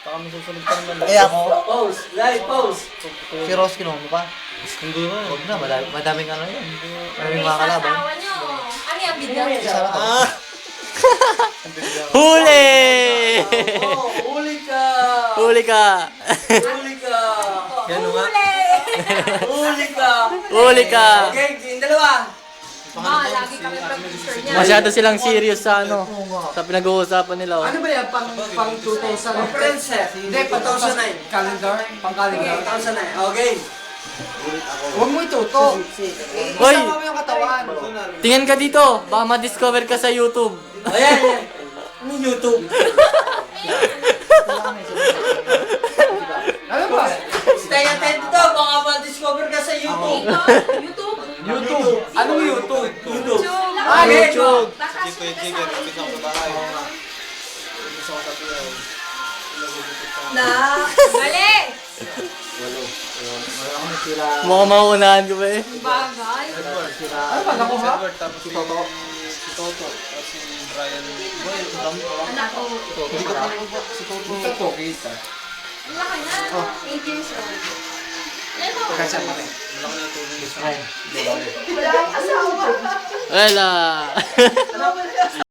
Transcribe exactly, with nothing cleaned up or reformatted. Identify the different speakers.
Speaker 1: Baka may susunod pa naman.
Speaker 2: Eh ako,
Speaker 3: Pause. Live pause.
Speaker 2: si Ross kinuha mo pa.
Speaker 1: Hindi na.
Speaker 2: Huwag na, madami, madaming ano yun. Madaming
Speaker 4: May
Speaker 2: mga kalaban.
Speaker 4: sasawa nyo. Ano yung bidya?
Speaker 2: Sarap to.
Speaker 1: Ah!
Speaker 5: Huli!
Speaker 3: Oh, huli ka.
Speaker 5: Huli ka!
Speaker 3: Huli ka.
Speaker 1: Yan nga.
Speaker 3: Huli ka.
Speaker 5: Huli ka!
Speaker 3: Okay, yung dalawa.
Speaker 4: Ma, lagi kami producer niya.
Speaker 5: Masyado silang serious sa ano, sa pinag-uusapan nila. Oh.
Speaker 6: Ano ba yan? Pang, pang two thousand?
Speaker 3: Conference eh.
Speaker 6: Hindi, pang
Speaker 3: two thousand nine.
Speaker 6: calendar? Pang calendar?
Speaker 3: two thousand nine. Okay.
Speaker 6: Huwag mo itutok.
Speaker 5: Hoy!
Speaker 6: Isama mo yung katawan.
Speaker 5: Tingin ka dito, baka ma-discover ka sa YouTube.
Speaker 3: Ayan, ayan. Ano YouTube?
Speaker 6: Ano ba?
Speaker 3: Stay attentive to. Baka ma-discover ka sa YouTube.
Speaker 4: Dito, YouTube.
Speaker 6: YouTube. Anong YouTube?
Speaker 3: YouTube.
Speaker 6: Ah,
Speaker 5: YouTube.
Speaker 4: Baka
Speaker 1: Jig,
Speaker 4: sunod
Speaker 1: jig,
Speaker 4: ka
Speaker 1: jig. Kita
Speaker 4: sa
Speaker 1: ko sa bahay. Gusto ko sa tuyaw.
Speaker 4: Na. Mali.
Speaker 5: Mukhang mauunahan ko ba eh.
Speaker 4: Bagay.
Speaker 1: Edward.
Speaker 6: Ano ba? Nakuha?
Speaker 1: Edward, tapos si Toto. Si Toto. Tapos si Brian. Boy, dami ko.
Speaker 4: Anak ko.
Speaker 6: Hindi ko pa si Toto. Toto, kita.
Speaker 4: Ang laki na. eight years old. Yan o.
Speaker 6: Kasi pa rin.
Speaker 1: Malaki na tulong sa
Speaker 4: Wala akong asawa.
Speaker 5: Wala.